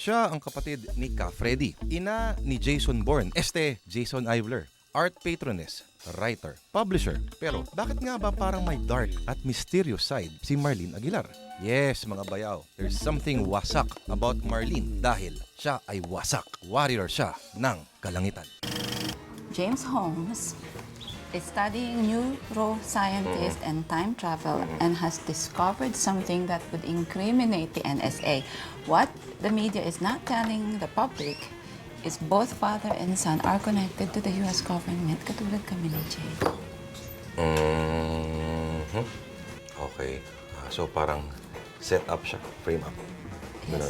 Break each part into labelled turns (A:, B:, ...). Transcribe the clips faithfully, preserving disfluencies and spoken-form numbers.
A: Siya ang kapatid ni Ka Freddy, ina ni Jason Bourne, este Jason Ivler, art patroness, writer, publisher. Pero bakit nga ba parang may dark at mysterious side si Marlene Aguilar? Yes, mga bayaw, there's something wasak about Marlene dahil siya ay wasak. Warrior siya ng kalangitan.
B: James Holmes is studying neuroscientist and time travel and has discovered something that would incriminate the N S A. What the media is not telling the public is both father and son are connected to the U S government, katulad kami ni Jay.
A: Mm-hmm. Okay. Ah, so parang set up siya, frame up.
B: Yes.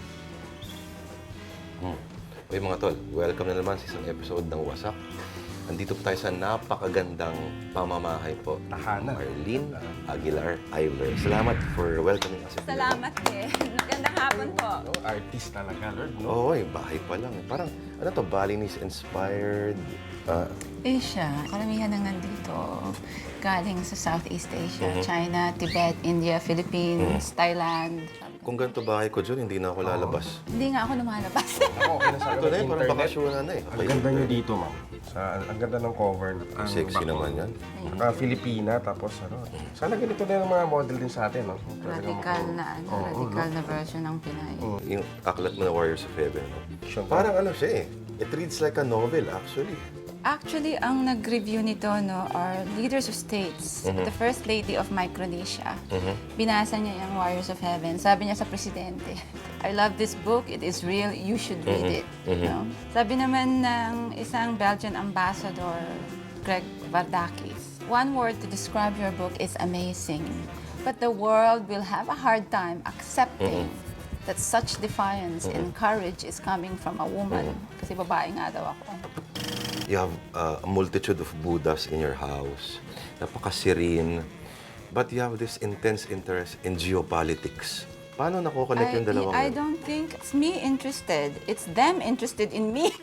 A: Hmm. Okay mga tol, welcome na naman sa isang episode ng Wasak. Nandito po tayo sa napakagandang pamamahay po.
C: Tahanan.
A: Marlene Aguilar Ivler. Salamat for welcoming us.
B: Salamat din. Magandang hapon po.
C: No, artist talaga, Lord. No?
A: Oo, eh, bahay pa lang. Parang, ano to, Balinese-inspired. Uh,
B: Asia, karamihan ng nandito galing sa Southeast Asia,
A: Mhm.
B: China, Tibet, India, Philippines, Thailand.
A: kung ganito bahay ko dyan, hindi na ako lalabas.
B: Hindi nga ako lumalabas.
C: Ako, okay na sa
A: Ito na eh, parang
C: internet.
A: bakasyonan na eh.
C: Ang ganda nyo dito, ma'am. Sa, ang ganda ng cover.
A: Ang sexy naman yan.
C: Naka Filipina, tapos ano. Sana ganito na yung mga model din sa atin, no?
B: Radical na, ano,
C: Oo,
B: radical na version ng Pinay.
A: Yung aklat mo na Warriors of Heaven. No?
C: Sure.
A: Parang ano siya eh. It reads like a novel actually.
B: Actually, ang nag-review nito no, are leaders of states. The First Lady of Micronesia. Binasa niya yung Warriors of Heaven. Sabi niya sa presidente, I love this book. It is real. You should read it. No? Sabi naman ng isang Belgian ambassador, Greg Vardakis, one word to describe your book is amazing. But the world will have a hard time accepting that such defiance and courage is coming from a woman. Kasi babae nga daw ako.
A: You have uh, a multitude of Buddhas in your house. Napaka-serene. But you have this intense interest in geopolitics. Paano nakukonect yung dalawang
B: I
A: yun?
B: don't think it's me interested. It's them interested in me.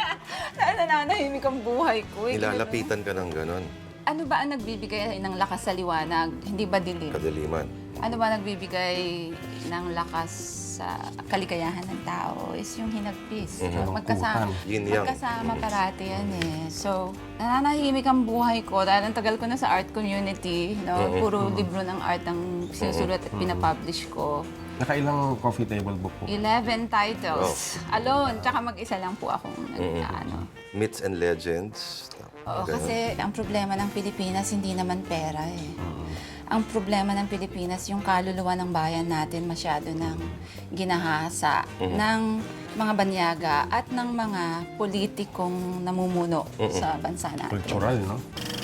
B: Nananahimik ang buhay ko. eh.
A: Nilalapitan ka ng ganon.
B: Ano ba ang nagbibigay ng lakas sa liwanag? Hindi ba dilim?
A: Kadaliman.
B: Ano ba nagbibigay ng lakas sa kaligayahan ng tao is yung hinagpis. Magkasama,
A: Yin yang.
B: magkasama parati yan eh. So, nananahimik ang buhay ko dahil ang tagal ko na sa art community. No? Puro libro ng art ang sinusulat at pinapublish ko.
C: Nakailang coffee table book po?
B: eleven titles. Alone. Tsaka mag-isa lang po akong nag-ano.
A: Myths and legends.
B: Oo,
A: Ganon.
B: kasi ang problema ng Pilipinas hindi naman pera eh. Ang problema ng Pilipinas, yung kaluluwa ng bayan natin masyado ng ginahasa ng mga banyaga at ng mga politikong namumuno sa bansa natin.
C: Cultural, no?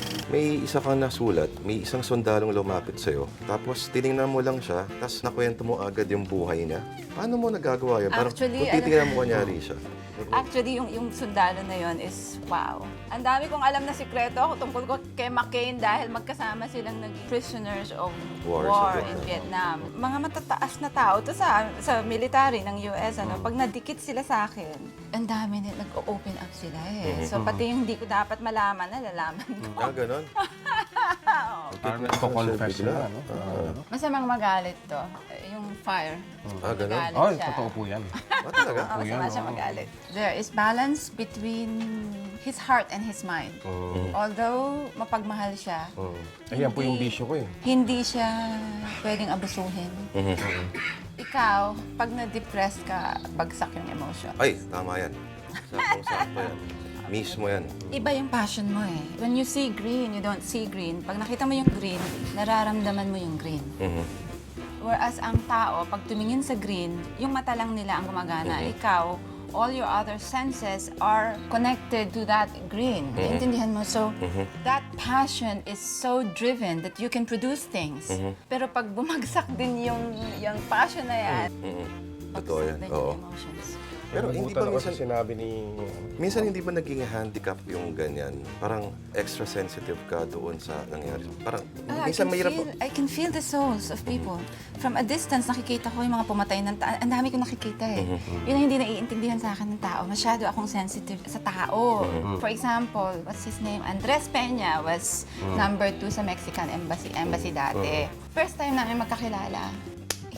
A: May isa kang nasulat, may isang sundalong lumapit sa'yo, tapos tinignan mo lang siya, tapos nakwento mo agad yung buhay niya. Paano mo nagagawa yun? Parang
B: Actually,
A: kung titignan mo kunyari siya.
B: Actually, yung, yung sundalo na yon is wow. Ang dami kong alam na sikreto tungkol ko kay McCain dahil magkasama silang naging prisoners of
A: War
B: war,
A: sa
B: in Vietnam. Mga matataas na tao to sa sa military ng U S ano, pag nadikit sila sa akin, ang dami nila nag-open up sila eh. So pati yung hindi ko dapat malaman, nalalaman ko.
A: Ah, ganon?
C: Parang nagko-confess
A: Bigla.
C: na, no?
A: Ah.
B: Masamang magalit to. Yung fire.
A: Ah, ganon?
B: Magalit
C: Ay,
B: siya.
C: totoo po yan.
A: Ah, talaga?
B: Oo, masama siya magalit. There is balance between his heart and his mind. Although mapagmahal siya,
C: Ayan po yung bisyo ko eh.
B: hindi siya pwedeng abusuhin. Ikaw, pag na-depressed ka, bagsak yung emotion.
A: Ay, tama yan. Saktong-sakto yan. Mismo yan.
B: Iba yung passion mo eh. When you see green, you don't see green. Pag nakita mo yung green, nararamdaman mo yung green.
A: Mhm.
B: Whereas ang tao, pag tumingin sa green, yung mata lang nila ang gumagana. Ikaw, all your other senses are connected to that green. Naintindihan mo? So, that passion is so driven that you can produce things. Pero pag bumagsak din yung, yung passion na yan,
A: Mhm. Totoo yan.
B: bagsak din
A: Oo.
B: yung emotions.
A: Pero hindi ba
C: Nagugutan ako
A: minsan,
C: sa sinabi ni...
A: minsan hindi ba naging handicap yung ganyan? Parang extra sensitive ka doon sa nangyari. Parang
B: Ah, I,
A: minsan
B: can
A: mahirap.
B: feel, I can feel the souls of people. From a distance, nakikita ko yung mga pumatay ng tao. Ang dami kong nakikita eh. Yun ang hindi naiintindihan sa akin ng tao. Masyado akong sensitive sa tao. For example, what's his name? Andres Peña was number two sa Mexican embassy, embassy dati. First time namin magkakilala.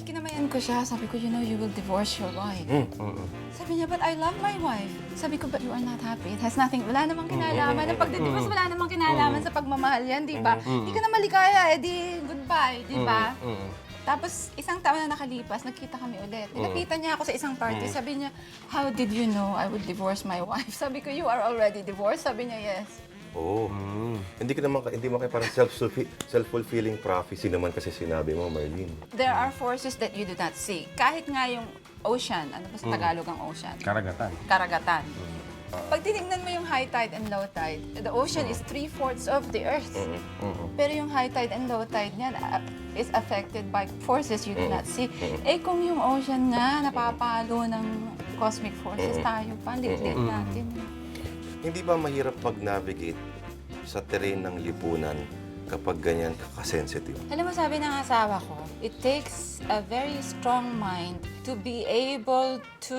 B: Kinamayan ko siya. Sabi ko, you know, you will divorce your wife.
C: Mm-mm.
B: Sabi niya, but I love my wife. Sabi ko, but you are not happy. It has nothing, wala namang kinalaman. Ang pagdidivorce, wala namang kinalaman sa pagmamahal yan, di ba? Hindi ka na maligaya, eh di goodbye, di ba?
C: Mm-mm.
B: Tapos, isang taon na nakalipas, nagkita kami ulit. Nilapitan niya ako sa isang party. Sabi niya, how did you know I would divorce my wife? Sabi ko, you are already divorced? Sabi niya, yes.
D: Oo. Hindi ka naman, hindi mo kayo parang self-fulfi- self-fulfilling prophecy naman kasi sinabi mo, Marlene.
B: There are forces that you do not see. Kahit nga yung ocean, ano ba sa Tagalog ang ocean?
C: Karagatan.
B: Karagatan. Pag tinignan mo yung high tide and low tide, the ocean is three-fourths of the earth. Pero yung high tide and low tide niyan uh, is affected by forces you do not see. Eh kung yung ocean nga napapalo ng cosmic forces, tayo pa, liit natin.
D: Hindi ba mahirap pag-navigate sa terrain ng lipunan kapag ganyan kakasensitive?
B: Alam mo, sabi ng asawa ko, it takes a very strong mind to be able to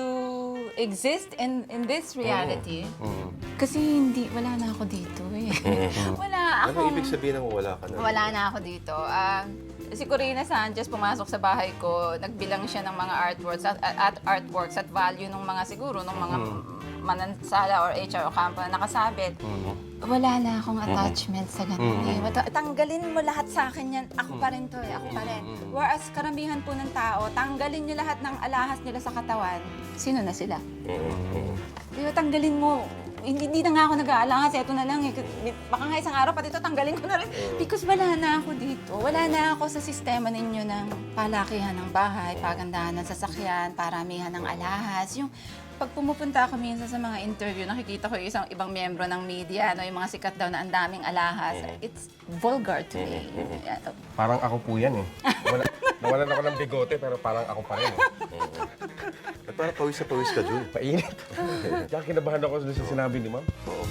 B: exist in in this reality. Kasi hindi, wala na ako dito eh. Wala
D: Ano
B: akong...
D: ibig sabihin ng wala ka na?
B: Wala na ako dito. Ah, si Corina Sanchez pumasok sa bahay ko, nagbilang siya ng mga artworks at, at artworks at value ng mga siguro ng mga manansala or H R o kampo na nakasabit. Wala na akong attachment sa ganun eh. Wata- Tanggalin mo lahat sa akin yan. Ako pa rin to eh. Ako pa rin. Whereas karamihan po ng tao, tanggalin nyo lahat ng alahas nila sa katawan. Sino na sila? Di ba, tanggalin mo. Hindi, hindi na nga ako nag-aalangan kasi ito na lang eh. Baka nga isang araw pati ito tanggalin ko na rin. Because wala na ako dito. Wala na ako sa sistema ninyo ng palakihan ng bahay, pagandahan ng sasakyan, paramihan ng alahas. Yung pag pumupunta ako minsan sa mga interview, nakikita ko yung isang ibang miyembro ng media, no, yung mga sikat daw na ang daming alahas. It's vulgar to me.
C: Parang ako po yan eh. Wala, nawalan ako ng bigote pero parang ako pa rin eh.
D: At parang pawis na pawis ka, Jul.
C: Mainit. Kaya kinabahan ako doon sa sinabi ni ma'am.
D: Oo.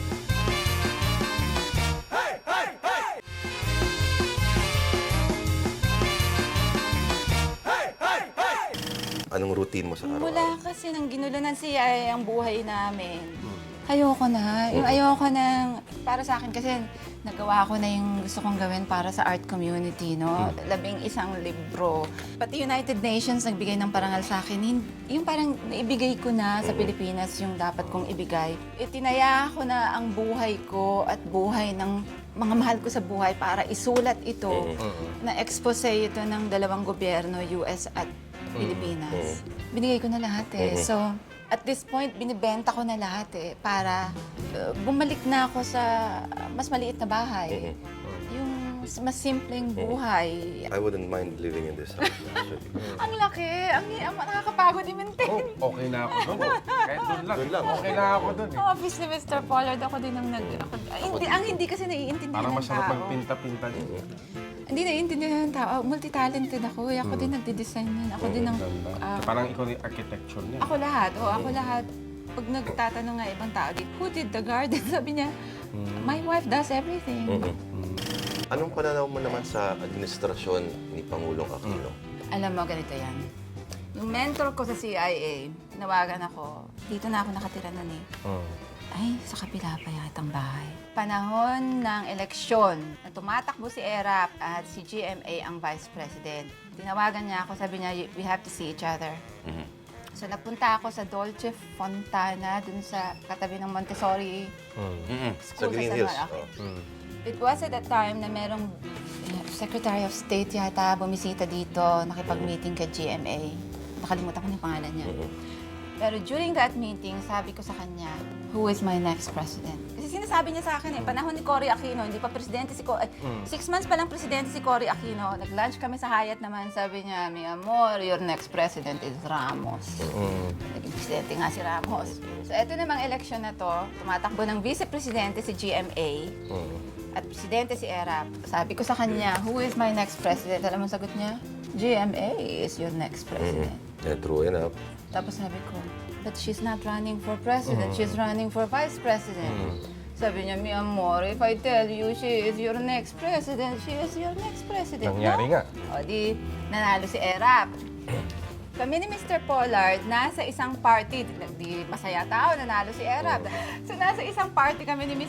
D: Anong routine mo sa araw-araw?
B: Mula kasi nang ginulo ng C I A ang buhay namin. Ayoko na. Yung ayoko na, para sa akin kasi nagawa ko na yung gusto kong gawin para sa art community, no? Labing isang libro. Pati United Nations nagbigay ng parangal sa akin. Hin- Yung parang naibigay ko na sa Pilipinas yung dapat kong ibigay. Itinaya ko na ang buhay ko at buhay ng mga mahal ko sa buhay para isulat ito. Na-expose ito ng dalawang gobyerno, U S at Pilipinas. Binigay ko na lahat eh. So, at this point, binibenta ko na lahat eh para uh, bumalik na ako sa uh, mas maliit na bahay. Yung mas simpleng buhay.
D: I wouldn't mind living in this house, actually.
B: Ang laki! Ang, ang nakakapagod i-maintain.
C: Oh, okay na ako doon. Kahit doon lang.
D: Doon lang.
C: Okay na ako doon eh.
B: Office ni Mister Pollard, ako din ang nag... Ako, ay, hindi, ang hindi kasi naiintindihan
C: Parang
B: ng
C: masarap
B: tao.
C: magpinta-pinta din.
B: Hindi naiintindihan ng tao. Multi-talented ako. eh. Ako din nagde-design yan. Ako din ang...
C: Ganda.
B: ah,
C: Parang ikaw yung architecture niya.
B: Ako lahat. O, ako lahat. Pag nagtatanong nga ibang tao, who did the garden? Sabi niya, my wife does everything.
D: Anong pananaw mo naman sa administrasyon ni Pangulong Aquino?
B: Alam mo, ganito yan. Yung mentor ko sa C I A, nawagan ako. Dito na ako nakatira nun eh.
C: Mm.
B: Ay, sa kapila pa yatang bahay. Panahon ng eleksyon, na tumatakbo si ERAP at si G M A ang vice president. Tinawagan niya ako, sabi niya, we have to see each other. So nagpunta ako sa Dolce Fontana, dun sa katabi ng Montessori
D: Sa
B: School
D: Green
B: San
D: Hills?
B: Juan. Okay.
D: Oh.
B: It was at that time na merong eh, Secretary of State yata bumisita dito, nakipag-meeting kay G M A. Nakalimutan ko na yung pangalan niya. Pero during that meeting, sabi ko sa kanya, who is my next president? Kasi sinasabi niya sa akin eh, panahon ni Cory Aquino, hindi pa presidente si Cory, six months pa lang presidente si Cory Aquino. Nag-lunch kami sa Hyatt naman, sabi niya, mi amor, your next president is Ramos. Naging presidente nga si Ramos. So eto namang election na to, tumatakbo ng vice-presidente si G M A at presidente si ERAP. Sabi ko sa kanya, who is my next president? Alam mo sagot niya? G M A is your next president.
D: Yeah, true enough.
B: Tapos sabi ko, but she's not running for president. She's running for vice president. Sabi niya, mi amor, if I tell you she is your next president, she is your next president.
C: Nangyari
B: no?
C: nga.
B: O di, nanalo si ERAP. Kami ni Mister Pollard, nasa isang party, di masaya tao, nanalo si ERAP. So nasa isang party kami ni Miss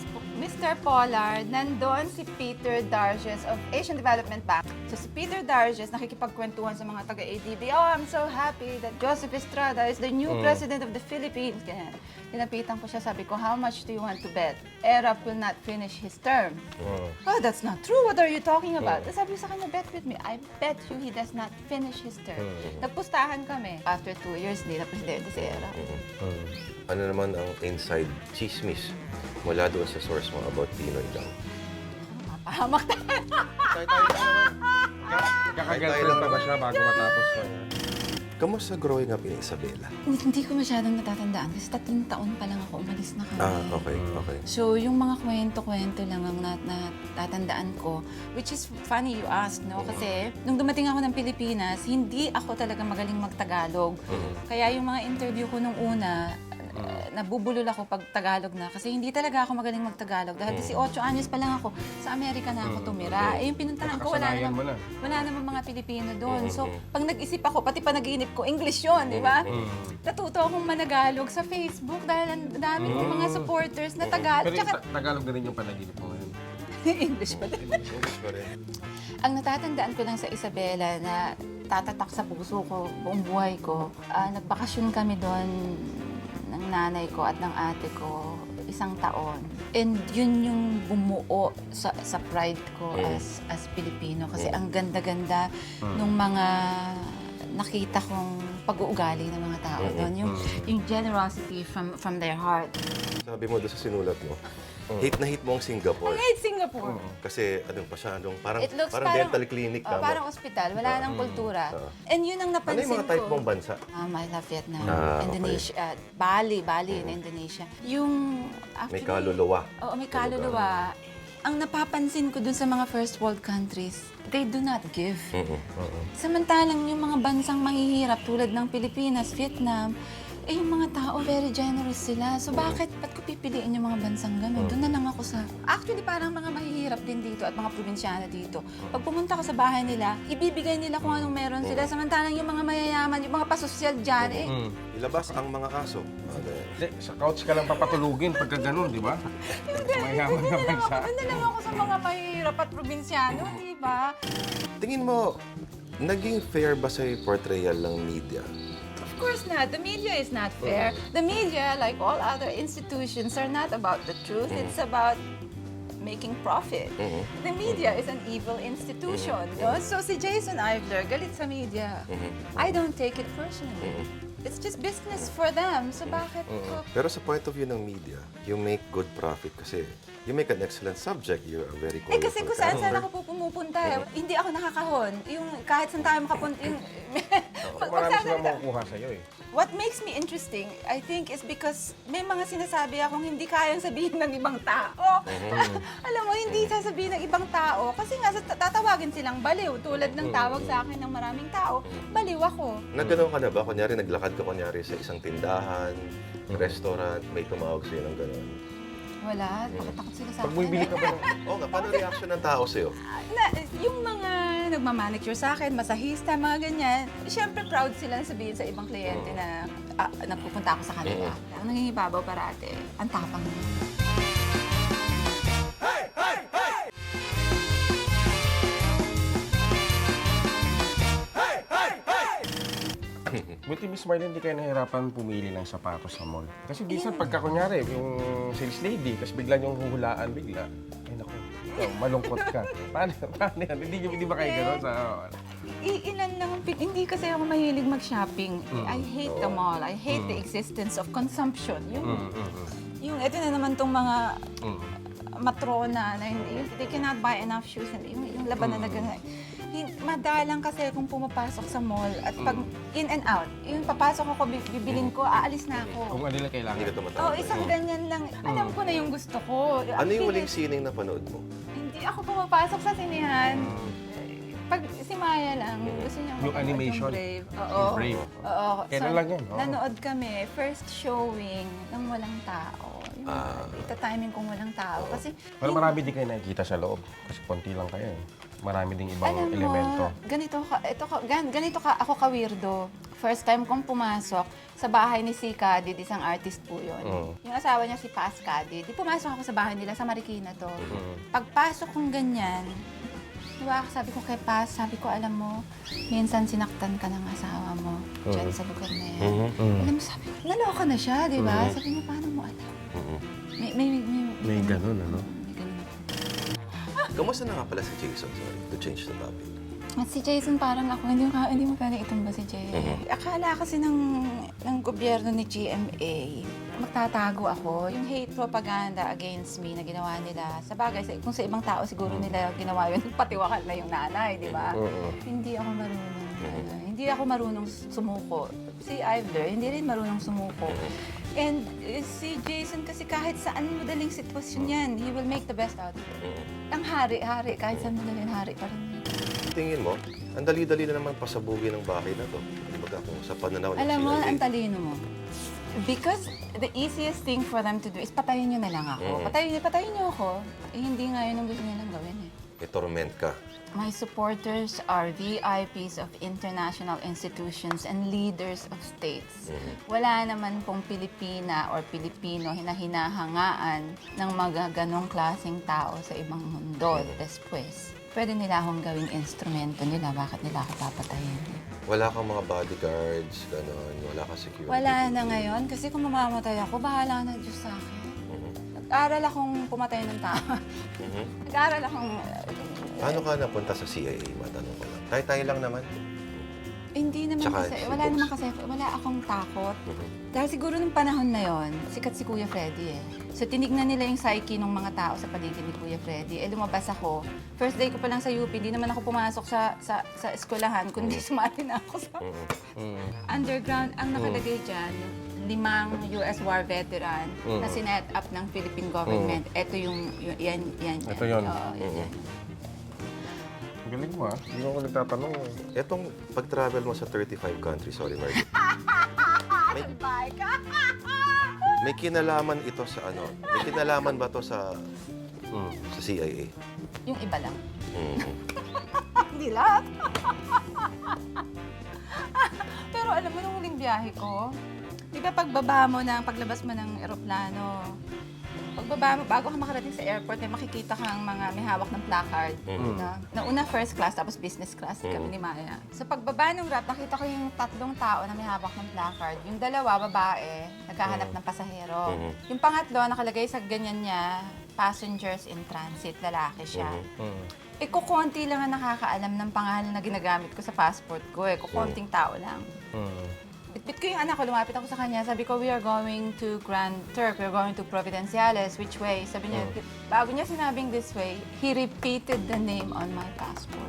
B: Mister Pollard, nandun si Peter Darges of Asian Development Bank. So si Peter Darges nakikipagkwentuhan sa mga taga-A D B, oh, I'm so happy that Joseph Estrada is the new president of the Philippines. Ganyan. Tinapitan ko siya, sabi ko, how much do you want to bet? Erap will not finish his term. Oh, that's not true. What are you talking about? Tapos sabi sa kanya, bet with me. I bet you he does not finish his term. Nagpustahan kami. After two years, hindi na presidente si Erap.
D: Ano naman ang inside chismis mula doon sa source mo about Pinoy lang?
B: Pahamak tayo.
C: Tayo-tayo lang naman. Kaka-girlfriend pa ba siya bago matapos pa niya?
D: Kamusta growing up in Isabela?
B: Hindi ko masyadong natatandaan kasi tatlong taon pa lang ako, umalis na kami.
D: Ah, okay, okay.
B: So, yung mga kwento-kwento lang ang nat natatandaan ko, which is funny you asked, no? Kasi nung dumating ako ng Pilipinas, hindi ako talaga magaling mag-Tagalog. Kaya yung mga interview ko nung una, uh, nabubulol ako pag Tagalog na kasi hindi talaga ako magaling mag-Tagalog. Dahil eighteen anyos pa lang ako, sa Amerika na ako tumira. Eh, yung pinuntahan ko, wala
C: Kasanayan mo
B: naman,
C: na.
B: wala naman mga Pilipino doon. So, pag nag-isip ako, pati panaginip ko, English yun, di ba? Natuto akong managalog sa Facebook dahil ang dami kong mga supporters na Tagalog.
C: Pero yung
B: Tsaka,
C: ta- Tagalog na rin yung panaginip mo ngayon.
B: English pa din.
D: English pa rin.
B: Ang natatandaan ko lang sa Isabela na tatatak sa puso ko buong buhay ko, ah, nagbakasyon kami doon ng nanay ko at ng ate ko isang taon. And yun yung bumuo sa, sa pride ko as as Pilipino kasi ang ganda-ganda nung mga nakita kong pag-uugali ng mga tao doon. Yung, yung generosity from from their heart.
D: Sabi mo doon sa sinulat mo, hate na hate mo ang Singapore.
B: I hate Singapore.
D: Kasi anong masyadong, parang,
B: It looks
D: parang, dental clinic
B: oh,
D: tama.
B: parang ospital. Wala nang kultura. And yun ang
D: Ano
B: napansin
D: yung mga type
B: ko.
D: mong bansa?
B: Um, I love Vietnam,
D: Ah, okay.
B: Indonesia, uh, Bali, Bali in Indonesia. Yung
D: May
B: actually,
D: kaluluwa.
B: Oo, may kaluluwa. Ang napapansin ko dun sa mga first world countries, they do not give. Samantalang yung mga bansang mahihirap tulad ng Pilipinas, Vietnam, eh yung mga tao very generous sila. So bakit, ba't ko pipiliin yung mga bansang gano'n? Doon na lang ako sa... Actually, parang mga mahihirap din dito at mga probinsyano dito. Pag pumunta ka sa bahay nila, ibibigay nila kung anong meron sila. Samantalang yung mga mayayaman, yung mga pasosyal dyan, eh,
D: Ilabas ang mga kaso. Ano yan?
C: Hindi, sa couch ka lang papatulugin pagka ganun, di ba? Mayaman na bansa.
B: doon na lang ako sa mga mahihirap at probinsyano, di ba?
D: Tingin mo, naging fair ba sa'yo yung portrayal ng media?
B: Of course not. The media is not fair. The media, like all other institutions, are not about the truth. It's about making profit. The media is an evil institution. No? So si Jason Ivler, galit sa media. I don't take it personally. It's just business for them. So bakit ko?
D: Pero sa point of view ng media, you make good profit kasi you make an excellent subject. You're a very
B: Eh
D: colorful
B: kasi kung saan saan
D: character.
B: ako pumupunta, eh. Hindi ako nakakahon. Yung kahit saan tayo makapunta, yung... Pag-
C: Marami
B: pagsasalita-
C: silang makukuha sa'yo eh.
B: What makes me interesting, I think, is because may mga sinasabi akong hindi kayang sabihin ng ibang tao. Alam mo, hindi sasabihin ng ibang tao kasi nga sa- tatawagin silang baliw. Tulad ng tawag sa akin ng maraming tao, baliw ako.
D: Nagano'n ka na ba? Kunyari, naglakad ka kunyari sa isang tindahan, restaurant, may tumawag sa'yo ng gano'n.
B: Wala, nakatakot sila sa
C: Pag
B: akin.
C: bumibili ka ba ng...
D: Oo nga, paano reaction ng tao sa'yo?
B: Na, yung mga nagmamanicure sa akin, masahista, mga ganyan, syempre proud sila na sabihin sa ibang kliyente na ah, nagpupunta ako sa kanila. Ang nangingibabaw parate, ang tapang nila.
C: Buti Miss Marlene, hindi kayo nahirapan pumili ng sapatos sa mall. Kasi minsan pagka kunyari, yung sales lady, tapos bigla niyong huhulaan bigla. Ay naku, ikaw, malungkot ka. Paano, paano yan? Hindi, hindi ba kayo gano'n sa...
B: Iilan lang ang pin- Hindi kasi ako mahilig mag-shopping. I hate the mall. I hate the existence of consumption. Yung, yung ito na naman tong mga matrona na hindi, they cannot buy enough shoes. And yung, yung laban na nag- hin- madalang kasi kung pumapasok sa mall at pag in and out, yung papasok ako, bi- bibilin ko, aalis na ako.
C: Kung ano lang kailangan.
D: Hindi ka tumatawag.
B: Oh, isang ganyan lang. Alam ko na yung gusto ko.
D: Ano yung huling
B: Bilis-
D: sining na panood mo?
B: Hindi ako pumapasok sa sinihan. Pag si Maya lang, gusto niya
C: Yung animation?
B: Brave. Oo.
C: Yung Brave.
B: Oo.
C: Kailan lang yun? Oo.
B: Nanood kami, first showing ng walang tao. Yung
D: Ah.
B: ita-timing kung walang tao. Kasi,
C: Pero marami di kayo nakikita sa loob. Kasi konti lang kayo eh. marami ding ibang
B: Alam mo,
C: elemento.
B: ganito ka, ito ka, gan, ganito ka, ako ka-weirdo. First time kong pumasok sa bahay ni si Kadid, isang artist po yun.
C: Mm.
B: Yung asawa niya si Paz Kadid. Di pumasok ako sa bahay nila sa Marikina to.
C: Mm.
B: Pagpasok kong ganyan, diba, sabi ko kay Paz, sabi ko, alam mo, minsan sinaktan ka ng asawa mo dyan sa lugar na yan.
C: Mm.
B: Alam mo, sabi ko, naloka na siya, di ba? Sabi niya, paano mo alam? May, may, may, may,
C: May ganun, ano?
B: may ganun.
D: Kamusta na nga pala si Jason? Sorry, to change the topic.
B: At si Jason parang ako, hindi mo, ka- hindi mo pwede itumba si Jay. Akala kasi ng, ng gobyerno ni G M A, magtatago ako. Yung hate propaganda against me na ginawa nila, sa bagay, sa- kung sa ibang tao siguro nila ginawa yun, patiwakal na yung nanay, di ba? Hindi ako marunong. ano, hindi ako marunong sumuko. Si Ivler, hindi rin marunong sumuko. And eh, si Jason kasi kahit saan madaling sitwasyon yan, he will make the best out of it. Ang hari-hari, kahit saan madaling hari pa rin.
D: Tingin mo, ang dali-dali na naman pasabugin ng bahay na to. Di ba kung sa pananaw ng
B: Alam mo,
D: C I A?
B: ang talino mo. Because the easiest thing for them to do is patayin nyo na lang ako. Patayin, patayin nyo ako. Eh, hindi nga yun ang gusto nilang gawin eh.
D: May torment ka.
B: My supporters are V I Ps of international institutions and leaders of states. Wala naman pong Pilipina or Pilipino na hinahangaan ng mga ganong klaseng tao sa ibang mundo. Después, pwede nila akong gawing instrumento nila. Bakit nila ako papatayin?
D: Wala kang mga bodyguards, gano'n. Wala kang security.
B: Wala na ngayon. Kasi kung mamamatay ako, bahala na Diyos sa akin. Nag-aral akong pumatay ng tao. Nag-aral akong...
D: Paano ka napunta sa C I A? Matanong ko lang. Tayo-tayo lang naman.
B: Hindi naman
D: Tsaka
B: kasi,
D: si
B: wala
D: Bogs.
B: naman kasi, wala akong takot. Dahil siguro nung panahon na yon, sikat si Kuya Freddy eh. So tinignan nila yung psyche ng mga tao sa paligid ni Kuya Freddy. Eh lumabas ako. First day ko pa lang sa U P, hindi naman ako pumasok sa sa, sa eskwelahan, kundi sumali na ako sa underground. Ang nakalagay dyan, limang U S war veteran na sinet up ng Philippine government. Ito yung, yung yan, yan, yan.
C: Ito yun.
B: Oo, yan, yan.
C: Ang galing mo, ah. Hindi mo ako nagtatanong.
D: Etong pag-travel mo sa thirty-five countries, sorry Margaret. May, may kinalaman ito sa ano? May kinalaman ba to sa sa C I A?
B: Yung iba lang.
D: Mhm.
B: Hindi lahat. Pero alam mo, nung huling biyahe ko, di ba pagbaba mo ng, paglabas mo ng eroplano, pagbaba mo, bago ka makarating sa airport, may makikita kang mga may hawak ng placard. Na, nauna first class, tapos business class kami ni Maya. Sa pagbaba ng rat, nakita ko yung tatlong tao na may hawak ng placard. Yung dalawa, babae, naghahanap ng pasahero. Yung pangatlo, nakalagay sa ganyan niya, passengers in transit, lalaki siya. Eh, kukunti lang ang nakakaalam ng pangalan na ginagamit ko sa passport ko eh. Kukunting tao lang. Bitbit ko yung anak ko, lumapit ako sa kanya. Sabi ko, we are going to Grand Turk. We are going to Providenciales. Which way? Sabi niya, bago niya sinabing this way, he repeated the name on my passport.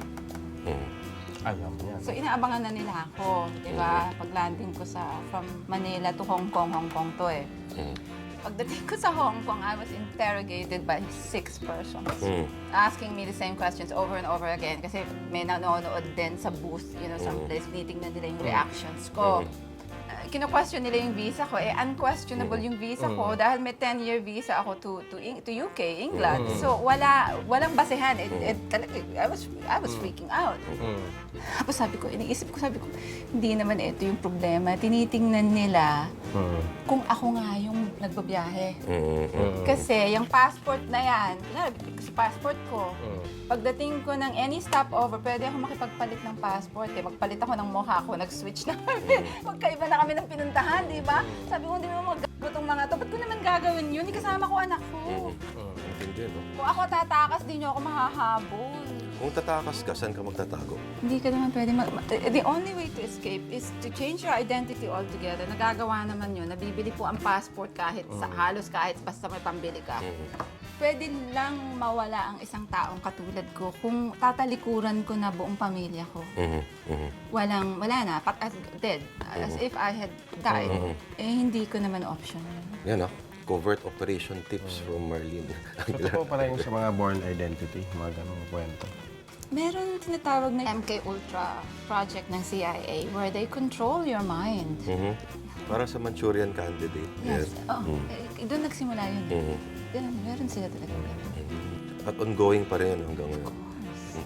C: Alam mo yan.
B: So, inaabangan na nila ako, di ba? Pag landing ko sa, from Manila to Hong Kong, Hong Kong to eh. Pagdating ko sa Hong Kong, I was interrogated by six persons. Asking me the same questions over and over again. Kasi may nanonood din sa booth, you know, someplace, tinitingnan nila yung reactions ko. Uh, kino-question nila yung visa ko. Eh, unquestionable yung visa ko dahil may ten-year visa ako to to Eng- to U K, England. So, wala, walang basehan. It, it, talaga, I was, I was freaking out. Tapos sabi ko, iniisip ko, sabi ko, hindi naman ito yung problema. Tinitingnan nila kung ako nga yung nagbabiyahe. Kasi yung passport na yan, kunwari, sa passport ko, pagdating ko ng any stopover, pwede ako makipagpalit ng passport. Eh. Magpalit ako ng mukha ko, nag-switch na kami. Magkaiba na kami ng pinuntahan, di ba? Sabi ko, hindi mo mag-gago tong mga to. Ba't ko naman gagawin yun? Hindi kasama ko anak ko.
D: Hindi, no?
B: Kung ako tatakas, di nyo ako mahahabol.
D: Kung tatakas ka, saan ka magtatago?
B: Hindi ka naman pwede mag... The only way to escape is to change your identity altogether. Nagagawa naman yun. Nabibili po ang passport kahit sa halos kahit basta may pambili ka. Pwede lang mawala ang isang taong katulad ko kung tatalikuran ko na buong pamilya ko. Walang, wala na. Pat, as, dead. As if I had died. Eh, hindi ko naman option.
D: Yan, ah. Covert operation tips from Marlene.
C: Totoo pala yung sa mga born identity, mga ganong kwento.
B: Meron tinatawag na M K Ultra project ng C I A where they control your mind.
D: Mhm. Parang sa Manchurian Candidate.
B: Yes.
D: Yan.
B: Oh, eh, doon nagsimula yun.
D: Mhm.
B: Ganun, meron sila talaga.
D: At ongoing pa rin hanggang ngayon.
B: Of course.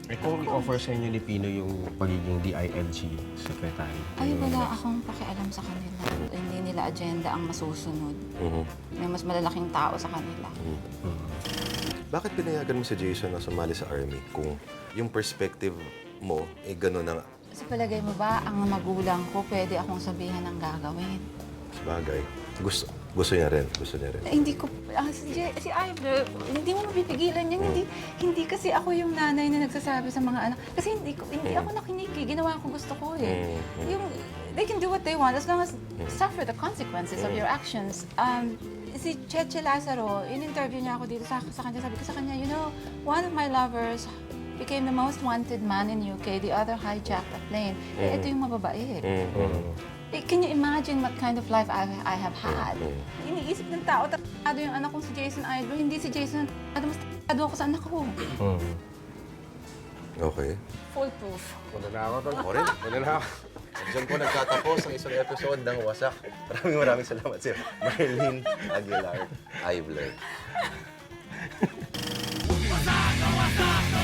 C: Eh kung i-offer sa inyo ni Pino yung pagiging D I L G secretary.
B: Ay, wala akong pakialam sa kanila. Hindi nila agenda ang masusunod.
D: Mhm.
B: May mas malalaking tao sa kanila.
D: Bakit pinayagan mo si Jason na sumali sa army kung yung perspective mo, eh gano'n na
B: Sa palagay mo ba, ang magulang ko, pwede akong sabihan ng gagawin?
D: bagay? Gusto, gusto niya rin. Gusto niya rin.
B: Eh, hindi ko, ah, si, Je- si Ivor, hindi mo mapipigilan yan. Hindi, hindi kasi ako yung nanay na nagsasabi sa mga anak. Kasi hindi, ko, hindi ako nakinig eh. Ginawa ko gusto ko eh.
D: Mm.
B: Yung, they can do what they want as long as suffer the consequences of your actions. Um, si Cheche Lazaro, in-interview niya ako dito sa, sa kanya. Sabi ko sa kanya, you know, one of my lovers became the most wanted man in U K. The other hijacked a plane. Eh, ito yung mababait.
D: Mhm.
B: Eh, can you imagine what kind of life I, I have had? Iniisip ng tao, tatado yung anak kong si Jason Idol. Hindi si Jason, tatado mas tatado ako sa anak ko.
D: Okay.
B: Foolproof.
C: Muna na ako, tol.
D: Ako rin.
C: Muna na ako.
D: Diyan po nagtatapos ang isang episode ng Wasak. Maraming maraming salamat sir. Marlene Aguilar Ivler.
E: Wasak, wasak,